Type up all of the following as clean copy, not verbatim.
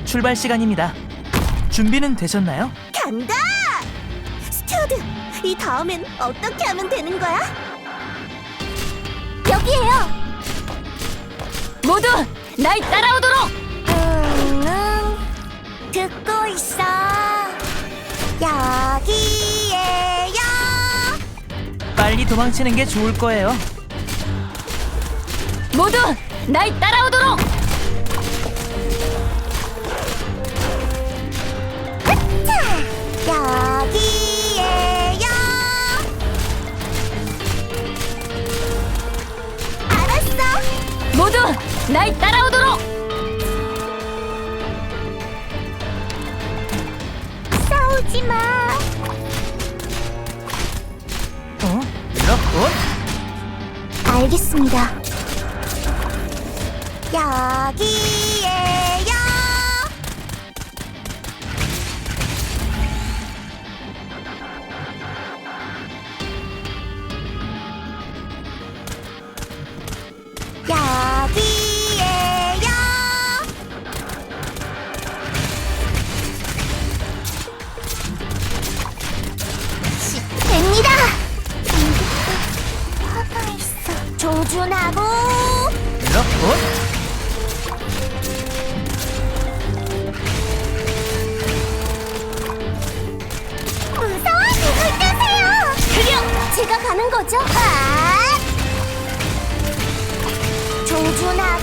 출발 시간입니다. 준비는 되셨나요? 간다! 스튜어드, 이 다음엔 어떻게 하면 되는 거야? 여기에요! 모두 날 따라오도록! 듣고 있어. 여기에요. 빨리 도망치는 게 좋을 거예요. 모두 날 따라오도록! 여기에요. 알았어. 모두 날 따라오도록! 싸우지 마. 이렇군. 알겠습니다. 여기에요. 여기에요. 됩니다. 화가 있어. 조준하고. 이렇군. 무서워, 누굴 뜨세요. 클리어! 제가 가는 거죠? 아! 조준하고.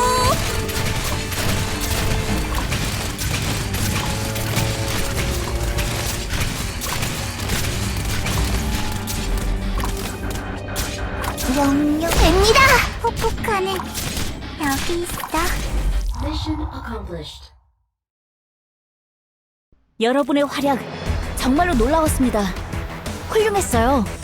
명령 됩니다. 폭폭하는 여기 있어. Mission accomplished. 여러분의 활약 정말로 놀라웠습니다. 훌륭했어요.